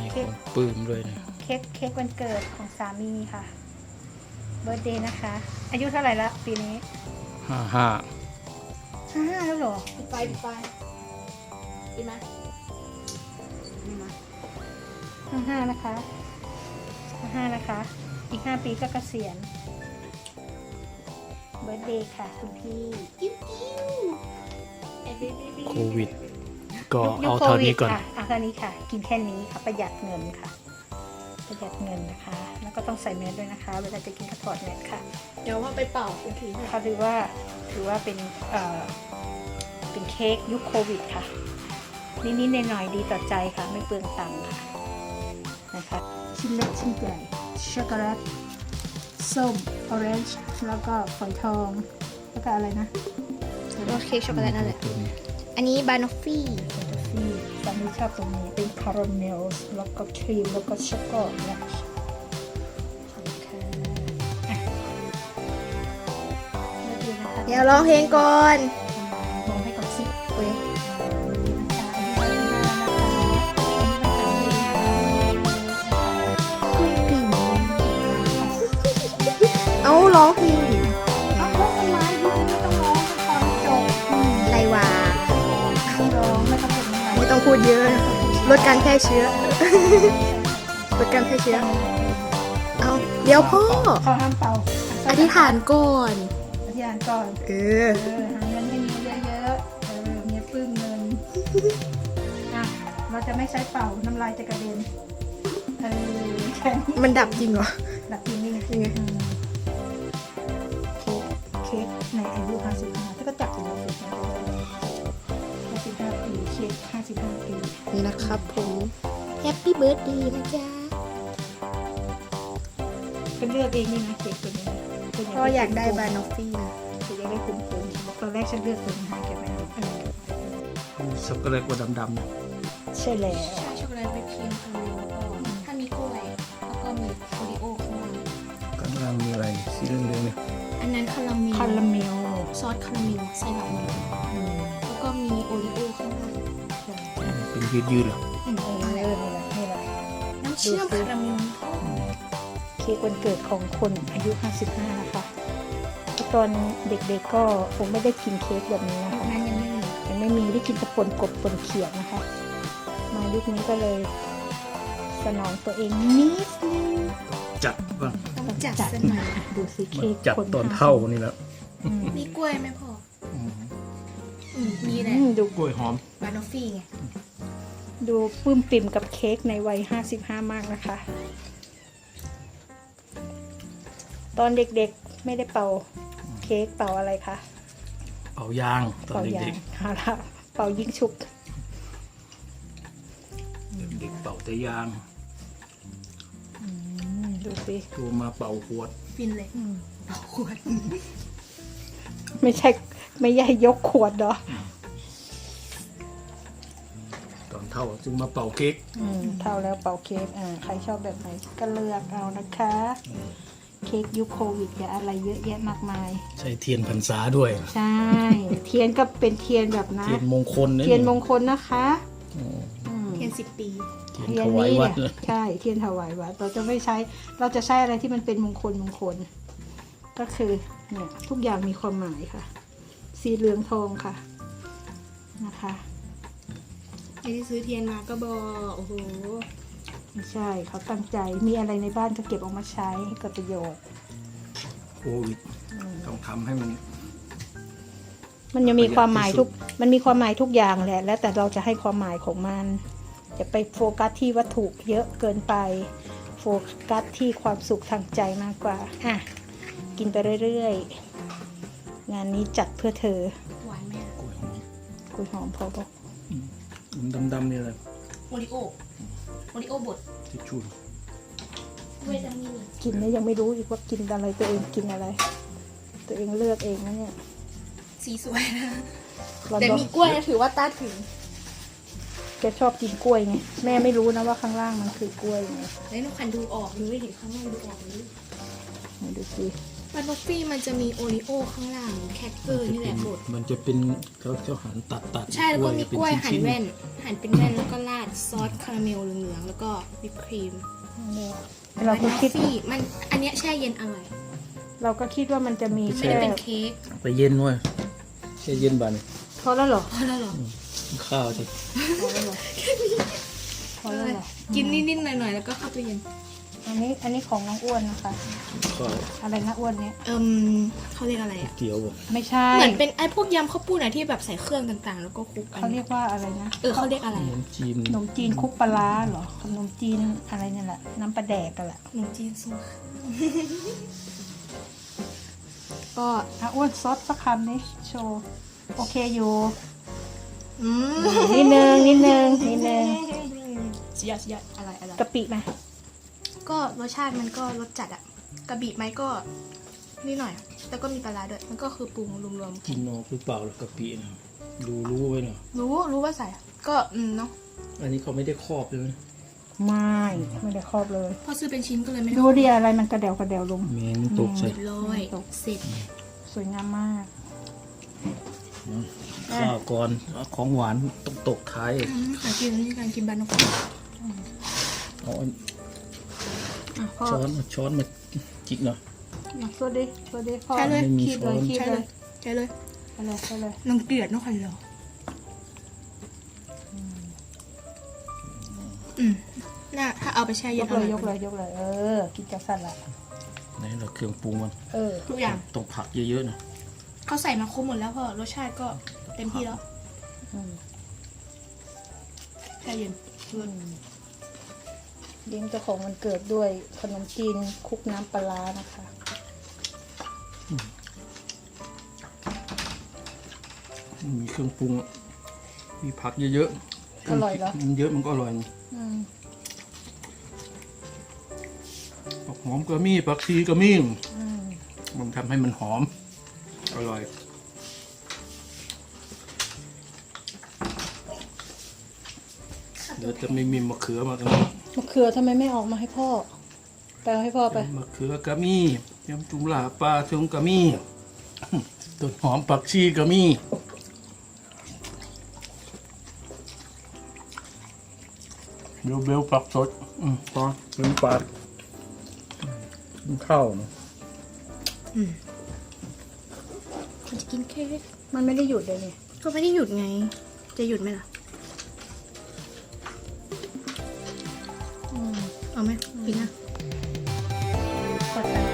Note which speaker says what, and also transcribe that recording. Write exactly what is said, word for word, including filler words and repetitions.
Speaker 1: เค้ก
Speaker 2: ปื้มด้วยนะ
Speaker 1: เค้กเค้กวันเกิดของสามีค่ะเบิร์ธเดย์นะคะ อายุเท่าไหร่ละปีนี้
Speaker 2: ห้าห้า
Speaker 1: ห้าห้าแล้วเหรอ
Speaker 3: ปิดไฟปิดไฟดีไหมดีไหม
Speaker 1: ห้าห้านะคะห้าห้านะคะ อีกห้าปีก็เกษียณเบิร์ธเดย์ค่ะคุณพี่
Speaker 3: กิ้วกิ้วเอ้ยบิ๊บิ๊บิ๊
Speaker 2: โควิด ก็
Speaker 1: ยุค
Speaker 2: เอา
Speaker 1: โค
Speaker 2: เท่า
Speaker 1: วิ
Speaker 2: นี้
Speaker 1: ด
Speaker 2: ก่อน
Speaker 1: ค่ะเอาเท่านี้ค่ะ กินแค่นี้ค่ะประหยัดเงินค่ะ ประหยัดเงินนะคะ แล้วก็ต้องใส่แมสด้วยนะคะ เวลาจะกินก็ถอดแมสค่ะ
Speaker 3: เดี๋ยวว่าไปเป่าอีกที
Speaker 1: เขาถือว่าถือว่าเป็นเอ่อเป็นเค้กยุคโควิดค่ะนิดๆหน่อยๆดีต่อใจค่ะ ไม่เปลืองตังค์ค่ะนะคะชิ้นเล็กชิ้นใหญ่ช็อกโกแลตส้มออเรนจ์แล้วก็ฝอยทอง แล้วก็อะไรนะ
Speaker 3: รสเค้กช็อกโกแลตนั่นแหละ
Speaker 2: ตัวนี้
Speaker 3: อันนี้บานอฟฟี่
Speaker 1: ที่สามีชอบตรงนี้เป็นคาราเมลแล้วก็ครีมแล้วก็ช็อกโกแลต
Speaker 3: เดี๋ยวร้องเพลงก่อน
Speaker 1: มองให้ก่อนสิ
Speaker 3: เว้ยเอาร้องเพลง
Speaker 1: เอาร้องทำไมยุคนี้ต้องร้องตอนจบ
Speaker 3: ไรวะ
Speaker 1: ต้องร้องไม่ต้องเป็นอะไร
Speaker 3: ไม่ต้องพูดเยอะลดการแพร่เชื้อลดการแพร่เชื้อเอาเดี๋ยวพ่อ
Speaker 1: เขาห้ามเป่า
Speaker 3: อธิษฐานก่อน
Speaker 1: อธิษฐานก่อน
Speaker 3: เออ
Speaker 1: เออหาเงินให้มีเยอะๆเออเมียปลื้มเงินอ่ะเราจะไม่ใช้เป่าน้ำลายจะกระเด็นเออแค่นี้
Speaker 3: มันดับจริงเหรอ
Speaker 1: หลักจริงนี่ไง
Speaker 3: ยังไง
Speaker 1: อืมเค้กเค้กในอายุห้าสิบห้าถ้าก็จับถึงห้าสิบห้าห้าสิบห้าปีเค้กห้าสิบห้าปี
Speaker 3: นี่นะครับผมแฮปปี้เบิร์ดดีนะจ๊ะ
Speaker 1: เป็นเลือกเองนี่นะเค้กตัวนี้นะเป็น
Speaker 3: พ่ออยากได้บานอฟฟี่นะ
Speaker 1: คืออยากได้คุ้มๆตอนแรกฉันเลือกตัวนี้ให้แกไม่เอาเออ
Speaker 2: ช็อกโกแลตกว่าดำๆนะ
Speaker 1: ใช่แล้ว
Speaker 3: ใช่ช็อกโกแลตไปครีมคาราเมลแล้วก็ถ้ามีกล้วย แล้วก็มีโอริโอข้างล่าง
Speaker 2: ข้างล่างมีอะไรสีเหลืองๆเนี่ย
Speaker 3: อันนั้นคาราเมล
Speaker 1: คาราเมล
Speaker 3: ซอสคาราเมลไส้หลังเมล
Speaker 1: อืม
Speaker 3: แล้วก็มีโอริโอข้างล่าง
Speaker 2: เป็นยืดๆเหรอ
Speaker 3: อืม
Speaker 1: เออเออนี่แหละนี่แหละ
Speaker 3: น้ำเชื่อมคาราเมล
Speaker 1: เค้กวันเกิดของคนอายุห้าสิบห้านะคะตอนเด็กๆก็คงไม่ได้กินเค้กแบบนี้นะคะ
Speaker 3: นั้นยังไม่มี
Speaker 1: ยังไม่มีได้กินแต่ปนกบปนเขียดนะคะ มายุคนี้ก็เลยสนองตัวเองนิดนึง
Speaker 2: จัดบ้าง
Speaker 3: ต้องจัด
Speaker 1: จัด
Speaker 3: ซะห
Speaker 1: มา
Speaker 3: น่อย
Speaker 1: ดูสิเค้ก
Speaker 2: จัด
Speaker 1: คน
Speaker 2: ตอนเท่านี่แล้ว
Speaker 1: อืม
Speaker 3: มีกล้วยไหมพ่อ
Speaker 2: อืม
Speaker 3: อืมมีแหละ
Speaker 1: อืมดู
Speaker 2: กล้วยหอม
Speaker 3: บานอฟฟี่ไง
Speaker 1: ดูปลื้มปิ่มกับเค้กในวัยห้าสิบห้ามากนะคะ ตอนเด็กๆไม่ได้เป่าเค้กเป่าอะไรคะ
Speaker 2: เป่ายางตอน
Speaker 1: เป่ายา
Speaker 2: เด็
Speaker 1: ง
Speaker 2: ก
Speaker 1: เอาละเป่ายิงฉุบ
Speaker 2: ๆเด็กๆเป่าแต่ยาง
Speaker 1: อืมดูสิ
Speaker 2: ตัวมาเป่าขวด
Speaker 3: ฟินเลย
Speaker 1: อืม
Speaker 3: เอาขวด
Speaker 1: ไม่ใช่ไม่ใช่ยกขวดเหรอ
Speaker 2: ตอนเท่าจึงมาเป่าเค้ก
Speaker 1: อืมเท่าแล้วเป่าเค้กอ่าใครชอบแบบไหนก็เลือกเอานะคะ เค้กยุคโควิดอย่าอะไรเยอะแยะมากมาย
Speaker 2: ใช้เทียนพรรษาด้วย
Speaker 1: ใช่ เทียนก็เป็นเทียนแบบนะ
Speaker 2: เทียนมงคลนะ
Speaker 1: เทียนมงคลนะคะ
Speaker 2: อืม
Speaker 1: อืม
Speaker 3: เพียงสิบปี
Speaker 2: เทียน
Speaker 1: เทีย
Speaker 2: ถ
Speaker 1: น
Speaker 2: วาย
Speaker 1: นี้
Speaker 2: วัด
Speaker 1: เนี่
Speaker 2: เลย ย
Speaker 1: ใช่เทียนถวายวัดเราจะไม่ใช้เราจะใช้อะไรที่มันเป็นมงคลมงคล ก็คือเนี่ยทุกอย่างมีความหมายค่ะ สีเหลืองทองค่ะนะคะ
Speaker 3: ไอ้ที่ซื้อเทียนมาก็บอกโอ้โห
Speaker 1: ไม่ใช่เขาตั้งใจมีอะไรในบ้านก็เก็บออกมาใช้ให้เกิดประโยชน์
Speaker 2: โควิดต้องทำให้มัน
Speaker 1: มันยังมีความหมายทุก
Speaker 2: ประหยัดที่สุด
Speaker 1: มันมีความหมายทุกอย่างแหละ แล้วแต่เราจะให้ความหมายของมันอย่าไปโฟกัสที่วัตถุเยอะเกินไป โฟกัสที่ความสุขทางใจมากกว่าอ่ะกินไปเรื่อยๆ งานนี้จัดเพื่อเธอ
Speaker 3: หวานไหมอะ
Speaker 2: กล้วยหอม
Speaker 1: กุยหอมพอบอก
Speaker 2: ดำๆนี่อะไร
Speaker 3: โอริโอโอริโอบด
Speaker 2: ทิชชู่
Speaker 3: กล้วยจะมี
Speaker 1: กินแล้วยังไม่รู้อีกว่ากินอะไรตัวเองกินอะไร ตัวเองเลือกเองนะเนี่ย
Speaker 3: สีสวยนะ
Speaker 1: เรา
Speaker 3: แต่
Speaker 1: บอก
Speaker 3: มีกล้วยนะถือว่าต้านถึง
Speaker 1: แกชอบกินกล้วยไงแม่ไม่รู้นะว่าข้างล่างมันคือกล้วยไง
Speaker 3: แล้วน้องคันดูออกเลยเห็นข้างล่างดูออกเลย
Speaker 1: ไหนดูสิ
Speaker 3: บานอฟฟี่มันจะมีโอริโอข้างล่างแคคเกอร์นี่แหละบด
Speaker 2: มันจะเป็นเขาเขาหั่นตัดตัด
Speaker 3: ใช่แล้วก็มีกล้วยหั่น
Speaker 2: ๆ
Speaker 3: แว่น หั่นเป็นแว่นแล้วก็ราดซอสคาราเมลเหลืองๆแล้วก็วิปครีม
Speaker 1: เราก็คิด
Speaker 3: บานอฟฟี่มันอันเนี้ยแช่เย็นอร่อย
Speaker 1: เราก็คิดว่ามันจะมี
Speaker 3: ไม่
Speaker 1: แค่
Speaker 3: ได้เป็นเค้ก
Speaker 2: ไปเย็นด้วยแช่เย็นบาน
Speaker 1: พอแล้วเหรอ
Speaker 3: พอแล้วเหรอ
Speaker 2: ข้าวสิ
Speaker 1: พอแล้วเหรอพอแล้วเหรอ
Speaker 3: กินนิดๆหน่อยๆแล้วก็เข้าไปเย็น
Speaker 1: อันนี้อันนี้ของน้องอ้วนนะคะ
Speaker 2: ข้าว
Speaker 1: อะไรนะอ้วนเนี้ย
Speaker 3: เอิมเขาเรียกอะไรอ่ะ
Speaker 2: เกี๊ยวบ่
Speaker 1: ไม่ใช่
Speaker 3: เหมือนเป็นไอ้พวกยำข้าวปุ้นอะที่แบบใส่เครื่องต่างๆ แล้วก็คลุกกัน
Speaker 1: เขาเรียกว่าอะไรนะ
Speaker 3: เออเขาเรียกอะไร
Speaker 2: ขนมจีน
Speaker 1: ขนมจีนคลุกปลาร้าเหรอขนมจีนอะไรเนี่ยแหละน้ำปลาแดกกันแหละ
Speaker 3: ขนมจีนซุปก็
Speaker 1: อ่ะอ้วนซดสักคำนี้โชว์โอเคอยู่
Speaker 3: อืม
Speaker 1: นิดนึงนิดนึงนิดนึง
Speaker 3: สุดยอดสุดยอดอะไรอะไร
Speaker 1: กะปิไหม
Speaker 3: ก็รสชาติมันก็รสจัดอะกระบี่ไหมก็นิดหน่อย แต่ก็มีปลาร้าด้วย มันก็คือปรุงรวม
Speaker 2: กินนอกหรือเปล่าหรือกะปินะดูรู้ไว้หน่อย
Speaker 3: ๆรู้รู้ว่าใส่ ก็อืมเนาะ
Speaker 2: อันนี้เขาไม่ได้ครอบเลยนะ
Speaker 1: ไม่ไม่ได้ครอบเลย
Speaker 3: พอซื้อเป็นชิ้นก็เลยไม่
Speaker 1: ดูดิอะไรมันกระเดวกระเดวลง
Speaker 2: แมงมันตกใส่
Speaker 3: เรียบร้อยเสร็จ
Speaker 1: สวยงามมาก
Speaker 2: ข้าวก่อนของหวานต้องตกท้าย
Speaker 3: อืมการกินนี่การกินบานอฟฟี่
Speaker 2: เอาอัน
Speaker 1: อ่ะพ่อ
Speaker 2: ช้อนเอาช้อนมาจิกหน่อย
Speaker 1: สวัสดีสวัสดีพ่อ
Speaker 3: ใช่เลย
Speaker 2: ไม่มี
Speaker 1: คีบเลย
Speaker 2: ช้อน
Speaker 1: คีบ
Speaker 3: ใช่
Speaker 1: เล
Speaker 3: เลย ยใช่เลย
Speaker 1: ไปเลยไปเลย
Speaker 3: นังเกลียดเนาะใครเหรออืมน่าถ้าเอาไปแช่
Speaker 1: ย
Speaker 3: เย็น
Speaker 1: ก
Speaker 3: อ
Speaker 1: เล
Speaker 3: ร่อย ย
Speaker 1: ยกเลยยกเลย เออกินจัสันละ
Speaker 2: ไหนเราเครื่องปรุงมัน
Speaker 1: เออ
Speaker 3: ทุกอย่าง
Speaker 2: ต้องผักเยอะๆนะ
Speaker 3: เขาใส่มาครบหมดแล้วพอรสชาติก็เต็มที่แล้ว
Speaker 1: อืม
Speaker 3: แช่เย็น
Speaker 1: อืมเลี้ยงเจ้าของมันเกิดด้วยขนมจีนคลุกน้ำปลาร้านะคะ
Speaker 2: มีเครื่องปรุง มีผักเยอะๆ
Speaker 1: อร่อยเหรอ
Speaker 2: มันเยอะมันก็อร่อย
Speaker 1: อืม
Speaker 2: ผักหอมก็มีผักชีก็มี
Speaker 1: อืม
Speaker 2: มันทำให้มันหอม อร่อย เดี๋ยวจะไม่มีมะเขือมาตรงนี้
Speaker 1: มะเขือทำไมไม่ออกมาให้พ่อไปเอาให้พ่อไป
Speaker 2: มะเขือก็มียำจุ่มลาปลาทงก็มี ต้นหอมผักชีก็มีเบลเบลผักสด อืมพอเป็นปากกินข้าวนะ
Speaker 3: มันจะกินเค้ก
Speaker 1: มันไม่ได้หยุดเลยนี่
Speaker 3: ก็ไม่ได้หยุดไง จะหยุดไหมล่ะ
Speaker 1: อืม
Speaker 3: เอาไหมกินนะ
Speaker 1: เข้าใจ